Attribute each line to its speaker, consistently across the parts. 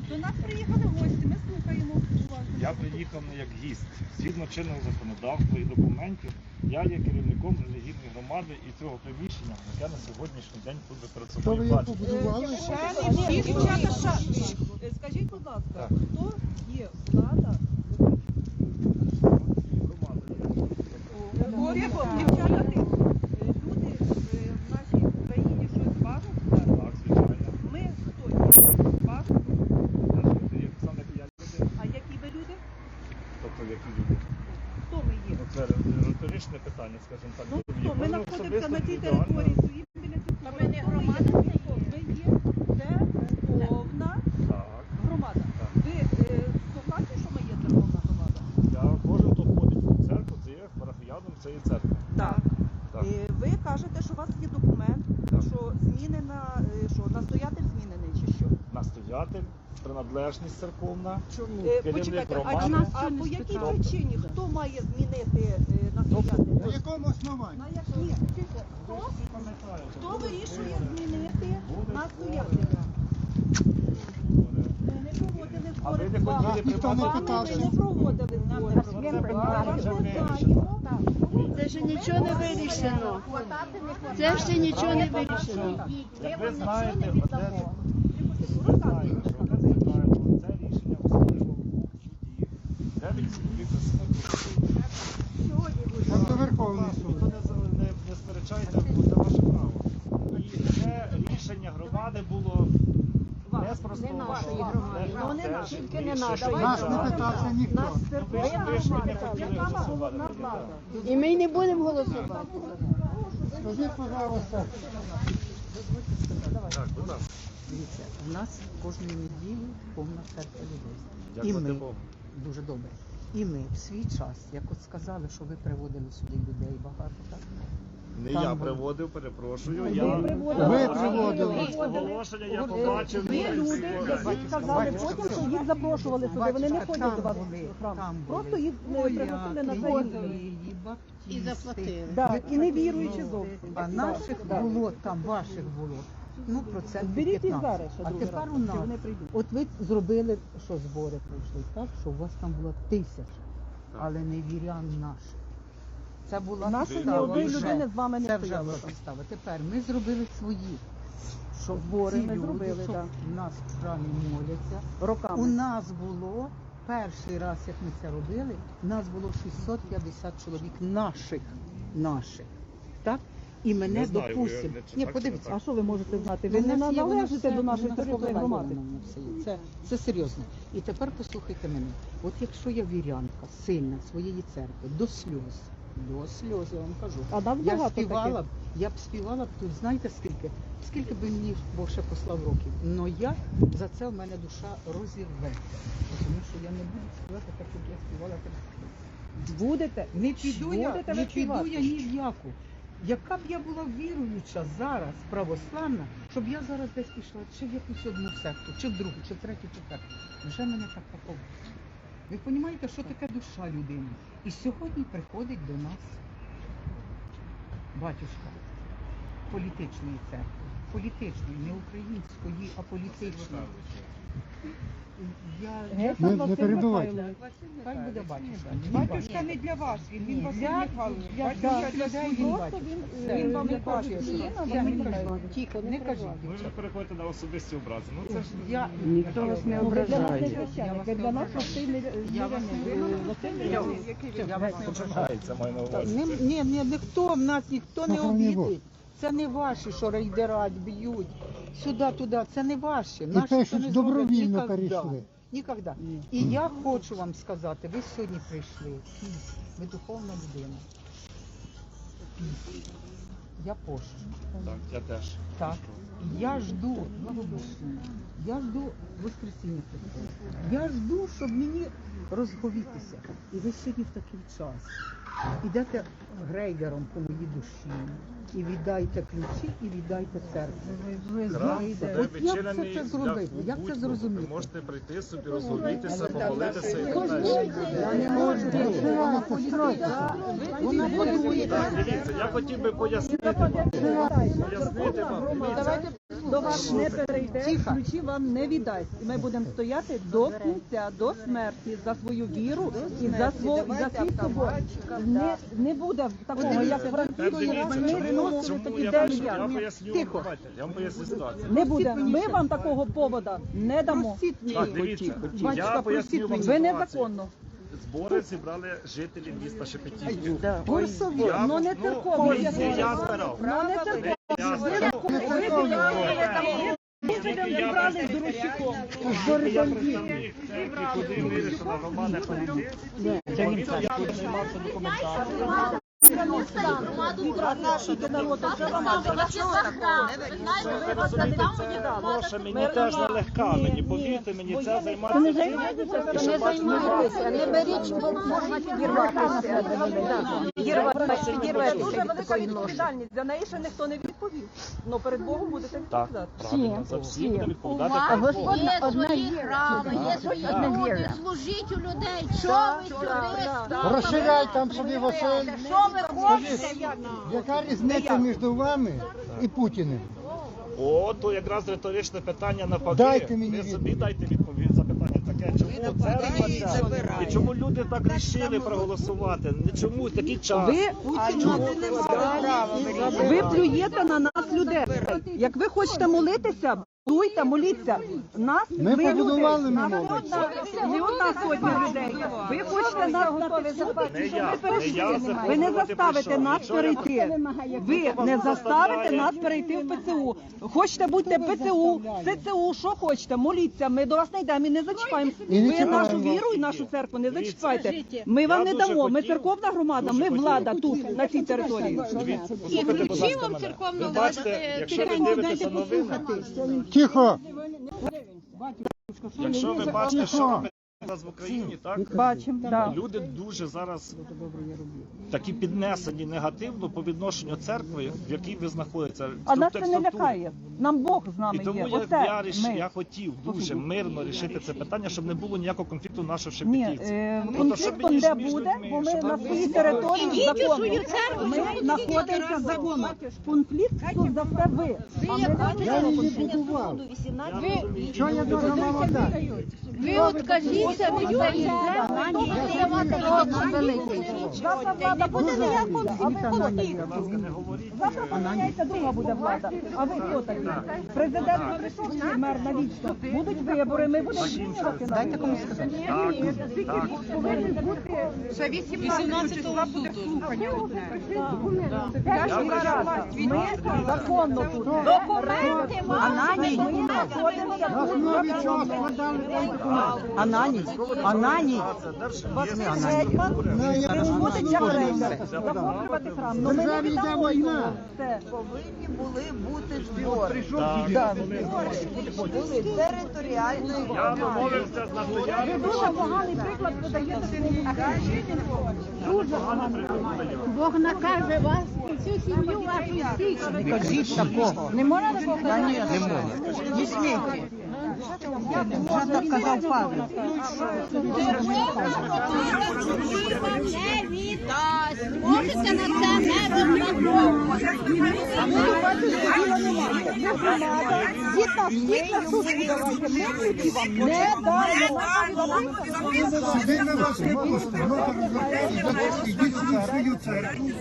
Speaker 1: До нас приїхали гості, ми слухаємо уважно.
Speaker 2: Я приїхав не як гість. Згідно чинного законодавства і документів, я є керівником релігійної громади і цього приміщення, яке на сьогоднішній день тут ви перед собою бачите.
Speaker 1: Дівчата, скажіть, будь ласка, хто є влада? Дівчата, люди в нашій країні щось бачать?
Speaker 2: Так, звичайно.
Speaker 1: Ми хто є? Бачать? А які ви люди?
Speaker 2: Тобто, які люди?
Speaker 1: Хто ми є?
Speaker 2: Ну, це риторичне питання, скажімо так.
Speaker 1: Ну хто? Ми знаходимося на тій
Speaker 2: Особисто
Speaker 1: території, стоїмо біля цих.
Speaker 3: Та ми не громада,
Speaker 1: Ви є церковна
Speaker 2: Так.
Speaker 1: громада.
Speaker 2: Так.
Speaker 1: Ви слухаєте, що ми є церковна громада?
Speaker 2: Я кожен, хто ходить в церкву, це є парафіяном цієї церкви.
Speaker 1: Так.
Speaker 2: Так.
Speaker 1: Ви кажете, що у вас є документ,
Speaker 2: Так.
Speaker 1: що змінена, що настоятель змінений чи що?
Speaker 2: Настоятель, приналежність церковна.
Speaker 1: Почекайте,
Speaker 2: Керівник
Speaker 1: а,
Speaker 2: громади.
Speaker 1: по якій причині? Хто має змінити настоятеля?
Speaker 4: На якому основанні?
Speaker 1: На якій? Хто вирішує змінити настоятеля? Ми не проводили
Speaker 2: А ви
Speaker 1: збори.
Speaker 2: не хотіли
Speaker 4: Ніхто не
Speaker 2: приймати
Speaker 4: питав.
Speaker 1: Ми не проводили збори.
Speaker 5: Це ще нічого не вирішено. Це ще нічого не вирішено.
Speaker 2: Як ви знаєте, ви знаєте, що вони знають, це рішення особливо в суді. 9 чоловік засідання.
Speaker 4: Там до Верховний
Speaker 2: Ніхто
Speaker 4: суд.
Speaker 2: не сперечається, бо це ваше право. І це рішення громади було не спростовано.
Speaker 5: нашої громади.
Speaker 1: Ну, не нашої.
Speaker 5: Тільки не нашої.
Speaker 4: Нас не питався ніхто.
Speaker 2: Ви ж не хотіли голосувати.
Speaker 5: І ми не будемо голосувати.
Speaker 4: Скажіть, пожалуйста,
Speaker 2: Так, будь ласка.
Speaker 6: Дивіться, у нас кожної неділі повна церква людей. І
Speaker 2: Дякувати
Speaker 6: ми,
Speaker 2: Богу.
Speaker 6: дуже добре, і ми в свій час, як от сказали, що ви приводили сюди людей багато, так?
Speaker 2: Не
Speaker 6: Там
Speaker 2: я
Speaker 6: ви-
Speaker 2: приводив, перепрошую.
Speaker 1: Ви
Speaker 2: Я
Speaker 4: приводили.
Speaker 2: оголошення, я побачив.
Speaker 1: Ви люди, які сказали потім, що їх запрошували сюди, вони не ходять до вас в храм. Просто їх не пригласили на заїзд.
Speaker 5: І заплатили.
Speaker 1: Так, і не віруючи зовсім.
Speaker 6: А наших було, там ваших було, ну, процентів
Speaker 1: Зберіть їх
Speaker 6: 15.
Speaker 1: зараз, ще
Speaker 6: А
Speaker 1: другий
Speaker 6: тепер
Speaker 1: раз,
Speaker 6: у нас,
Speaker 1: чи вони прийдуть.
Speaker 6: от ви зробили, що збори пройшли, так, що у вас там було 1000, але не вірян наших. Це була
Speaker 1: Наших ні
Speaker 6: підстава
Speaker 1: одної
Speaker 6: вже.
Speaker 1: людини з вами не
Speaker 6: Це вже
Speaker 1: стояло
Speaker 6: була
Speaker 1: там.
Speaker 6: підстава. Тепер ми зробили свої. Щоб
Speaker 1: Збори
Speaker 6: ці
Speaker 1: ми
Speaker 6: люди,
Speaker 1: зробили,
Speaker 6: щоб
Speaker 1: так.
Speaker 6: в нас в храмі моляться. У
Speaker 1: Роками.
Speaker 6: нас було, перший раз, як ми це робили, у нас було 650 чоловік наших. Так? І мене
Speaker 2: Не знаю, ви
Speaker 6: допустимо.
Speaker 2: не- чи
Speaker 6: Ні,
Speaker 2: так,
Speaker 6: подивіться.
Speaker 2: чи не
Speaker 1: А що ви можете знати?
Speaker 6: У
Speaker 1: Ви не
Speaker 6: нас є, воно
Speaker 1: належите
Speaker 6: все-
Speaker 1: до нашої
Speaker 6: воно
Speaker 1: церковної громади.
Speaker 6: сформульовано, воно все є. Це серйозно. І тепер послухайте мене. От якщо я вірянка, сильна своєї церкви, до сльоз, я вам кажу.
Speaker 1: А нас
Speaker 6: Я
Speaker 1: багато
Speaker 6: співала,
Speaker 1: таких.
Speaker 6: я б співала б тут, знаєте скільки? Скільки би мені Бог ще послав років. Но я, за це в мене душа розірве. Тому що я не буду співати так, як я співала.
Speaker 1: Будете?
Speaker 6: Не піду я,
Speaker 1: Будете
Speaker 6: не
Speaker 1: ви
Speaker 6: піду
Speaker 1: співати?
Speaker 6: я ні в яку. Яка б я була віруюча зараз, православна, щоб я зараз десь пішла чи в якусь одну секту, чи в другу, чи в третю, чи в п'яту. Вже мене так такого. Ви розумієте, що таке душа людини? І сьогодні приходить до нас батюшка політичної церкви. Політичної, не української, а політичної.
Speaker 4: Не перебивайте.
Speaker 6: Хай буде батюшка.
Speaker 3: Батюшка не для вас, він Василь Михайлович.
Speaker 6: Да,
Speaker 3: Батюшка для
Speaker 6: людей
Speaker 3: своїх.
Speaker 6: просто
Speaker 3: Він вам не
Speaker 6: кажуть,
Speaker 3: каже,
Speaker 6: що
Speaker 3: що
Speaker 6: я
Speaker 3: ви
Speaker 6: не
Speaker 3: не
Speaker 6: кажу. Тихо, не кажіть.
Speaker 2: Ви вже переходите на особисті образи. Ну це ж
Speaker 6: Я
Speaker 5: Ніхто вас не
Speaker 1: Ви для нас не
Speaker 5: ображає.
Speaker 1: священник, ви для нас простий
Speaker 6: Я вас не
Speaker 2: я вас не ображається, маю на увазі.
Speaker 6: Ні, ніхто, в нас ніхто не
Speaker 4: Охорони Бог.
Speaker 6: обідить. Це не ваші, що рейдерать, б'ють. Сюди, туди, це не ваші.
Speaker 4: І
Speaker 6: Наші
Speaker 4: те,
Speaker 6: то
Speaker 4: що
Speaker 6: не
Speaker 4: добровільно
Speaker 6: зроблять
Speaker 4: перейшли.
Speaker 6: Ніколи. І я хочу вам сказати, ви сьогодні прийшли. Ви духовна людина. Я пощу.
Speaker 2: Так, я теж.
Speaker 6: Так. Я жду, я жду Воскресіння Христова. Я жду, щоб мені розговітися. І ви сьогодні в такий час. Ідете грейдером по моїй душі. І віддайте ключі, і віддайте церкву.
Speaker 2: Храм буде
Speaker 6: От як
Speaker 2: відчинений
Speaker 6: це зробити?
Speaker 2: для
Speaker 6: Як це
Speaker 2: будь-кого.
Speaker 6: зрозуміти?
Speaker 2: Ви можете прийти собі, розгорнутися, помолитися і так далі.
Speaker 6: Я не можу. Вона построїться. Вона будує.
Speaker 2: Так, дивіться, я хотів би пояснити вам. Дивіться,
Speaker 1: до вас не перейде, ключі вам не віддасть. І ми будемо стояти до кінця, до смерті за свою віру і за свій собор. Не буде такого, як Франції,
Speaker 2: Чому
Speaker 1: такі
Speaker 2: я
Speaker 1: день.
Speaker 2: поясню, давайте, я вам поясню ситуацію.
Speaker 1: Не буде. Ми вам такого повода не дамо.
Speaker 2: Так, дивіться, я
Speaker 6: Батюшка,
Speaker 2: поясню вам
Speaker 1: Ви
Speaker 2: ситуацію.
Speaker 1: незаконно.
Speaker 2: Збори зібрали жителі міста Шепетівки.
Speaker 1: Курсові, ну не церковні.
Speaker 2: Я збирав.
Speaker 1: Ну не церковні.
Speaker 2: Я
Speaker 1: Ви зібрали з Дорощуком.
Speaker 2: Я представник церкви, куди вирішила громада прийти. Я тут займався документацією. Це гроші мені теж нелегка, мені повірте мені, це займатися.
Speaker 1: Не займайтеся,
Speaker 5: не беріть, бо можна підірватися.
Speaker 1: Це дуже велика відповідальність. За неї ще ніхто не відповів. Ну перед Богом будете
Speaker 2: Так,
Speaker 1: відповідати.
Speaker 2: правильно, за всі буде
Speaker 5: У
Speaker 2: відповідати
Speaker 5: вас
Speaker 2: перед Богом.
Speaker 5: є свої храми, є свої люди, служіть у людей. Що ви сюди
Speaker 4: Розширяй там собі Василь.
Speaker 5: Що ви хочете?
Speaker 4: Яка різниця між вами і Путіним?
Speaker 2: О, то якраз риторичне питання навпаки.
Speaker 4: Дайте мені
Speaker 2: Ви собі дайте відповідь за питання таке. Чому церква ця? І чому люди так рішили проголосувати? Не чому такий час?
Speaker 1: Ви плюєте на нас людей. Як ви хочете молитися, дуйте, моліться. Нас
Speaker 4: Ми
Speaker 1: ви
Speaker 4: побудували,
Speaker 1: люди.
Speaker 4: ми
Speaker 1: Нас
Speaker 4: молимося.
Speaker 1: не одна сотня людей. Ви хочете нас записати,
Speaker 2: Не
Speaker 1: щоб
Speaker 2: я,
Speaker 1: ми перейшли.
Speaker 2: не я
Speaker 1: Ви не
Speaker 2: запрошувати
Speaker 1: заставите
Speaker 2: прийшов.
Speaker 1: нас
Speaker 2: Якщо я-
Speaker 1: перейти. Ви не заставите нас перейти в ПЦУ. Хочете будьте ПЦУ, СЦУ, що хочете, моліться. Ми до вас не йдемо і не зачіпаємо.
Speaker 4: І не
Speaker 1: Ви нашу
Speaker 4: чіпаємо.
Speaker 1: віру і нашу церкву не зачіпайте. Ми вам не
Speaker 2: дуже
Speaker 1: дамо. Ми
Speaker 2: хотів,
Speaker 1: церковна громада,
Speaker 2: дуже
Speaker 1: ми
Speaker 2: хотів.
Speaker 1: влада тут, на цій території.
Speaker 2: Дивіться, послухайте, будь ласка, мене. Ви бачите, якщо ви дивитеся новини,
Speaker 4: Тихо!
Speaker 2: якщо ви бачите, що робить зараз в Україні, так?
Speaker 1: Бачимо, так.
Speaker 2: Люди дуже зараз такі піднесені негативно по відношенню церкви, в якій ви знаходитеся.
Speaker 1: А нас це не
Speaker 2: структурі.
Speaker 1: лякає. Нам Бог з
Speaker 2: І
Speaker 1: нами
Speaker 2: тому
Speaker 1: є.
Speaker 2: я
Speaker 1: Ми.
Speaker 2: хотів дуже мирно рішити це питання, щоб не було ніякого конфлікту нашого в
Speaker 1: Ні,
Speaker 2: Шепетівці.
Speaker 1: конфліктом де буде, бо ми на своїй території законно. Ми знаходимося законно. Конфлікт тут за все ви. А ми
Speaker 4: Я її будував. Що я должна вам дати?
Speaker 5: Ви откажіться від цієї землі, я вас року великий.
Speaker 1: завтра влада буде ніякого, а ви хто такі?
Speaker 2: Будь ласка, не говоріть.
Speaker 1: Завтра поміняється, друга буде влада. А ви хто такі? Президент прийшов, чи мер навічно. Будуть вибори, ми будемо змінювати. Дайте комусь сказати.
Speaker 2: Так.
Speaker 1: Повинні бути
Speaker 3: Ще 18 числа буде слухання одне.
Speaker 1: ми законно тут.
Speaker 5: Документи
Speaker 1: Ананій, ми знаходимося
Speaker 4: На
Speaker 1: тут
Speaker 4: основі чого
Speaker 1: законно.
Speaker 4: складали цей документ?
Speaker 1: Ананій, Ананій.
Speaker 4: Ну, я
Speaker 1: Буде як
Speaker 4: розумію.
Speaker 1: рейдер. Захоплювати храм. Ну ми не
Speaker 4: Державі йде
Speaker 1: віддамо
Speaker 4: війна.
Speaker 1: його. Все.
Speaker 7: Повинні були бути збори
Speaker 2: Так.
Speaker 7: територіальної
Speaker 2: Я домовився з
Speaker 1: Ви
Speaker 2: настоянням.
Speaker 1: дуже поганий приклад подаєте своєму Дуже поганий приклад.
Speaker 5: Бог накаже вас, всю сім'ю вашу стільки.
Speaker 6: Не кажіть такого.
Speaker 1: Не можна такого казати?
Speaker 6: Не можна. Не смійте. Вже так казав Павло.
Speaker 5: Не віддасть. Можете на це не розраховувати.
Speaker 1: Не даємо.
Speaker 4: Сюди ми вас не пустимо. Ідіть в свою церкву.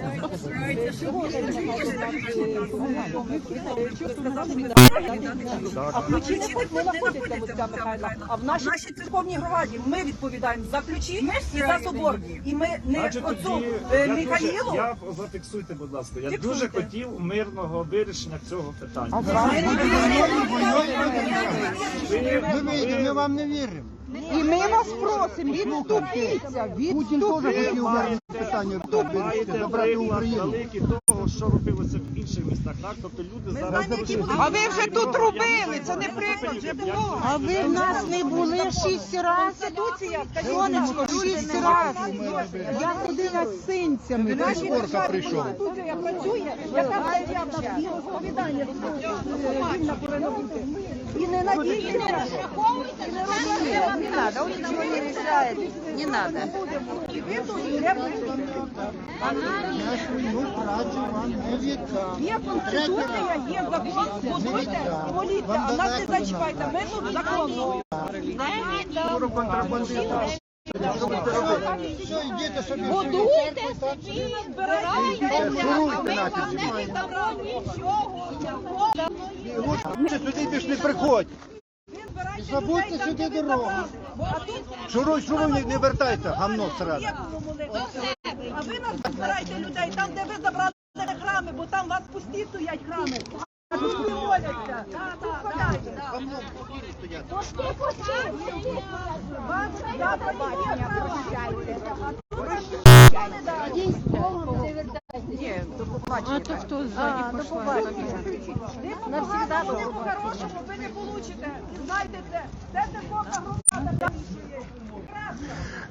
Speaker 1: А ключі не хоч не знаходяться в отця Михайла, а в нашій церковній громаді ми відповідаємо за ключі і за собор. І ми не
Speaker 2: Значить,
Speaker 1: отцю
Speaker 2: тоді
Speaker 1: Михаїлу.
Speaker 2: я зафіксуйте, будь ласка. Я дуже хотів мирного вирішення цього питання.
Speaker 4: Ми вийдемо, ми вам не віримо.
Speaker 6: І ми вас просимо, відступіться,
Speaker 4: Путін теж хотів вирішити питання
Speaker 2: Маєте
Speaker 4: забрати
Speaker 2: приклад
Speaker 4: Україну.
Speaker 2: великий того, що робилося в інших містах, так? Тобто люди зараз...
Speaker 3: А ви вже тут робили, це не приклад, вже було.
Speaker 6: А ви в нас не були 6 разів. Сонечко, 6 разів. Я ходила з синцями.
Speaker 4: Скорка прийшов.
Speaker 1: Студія працює, яка стаття в нас є розповідання вільна повинна бути. І не надійся.
Speaker 7: надо, он ничего не решает. Не надо.
Speaker 4: Свою працю вам не віддам.
Speaker 1: Є конституція, є закон, будуйте, моліться, а нас не зачіпайте, ми тут законно.
Speaker 4: Все, йдіть собі.
Speaker 1: Будуйте собі, збирайте,
Speaker 4: Шуруйте нафіг. Лучше сюди більш не приходь. Забудьте сюди дорогу. Шуруй, не вертайся, гамно сразу.
Speaker 1: А ви нас збирайте людей там, де ви забрали храми, бо там у вас пусті стоять храми. А тут не моляться. Тут ходять. Пусти. Вас завтра не прощайте.
Speaker 5: А то хто ззаді пішла?
Speaker 1: Навсегда по-хорошому ви не получите. Знайте це. Це церковна громада.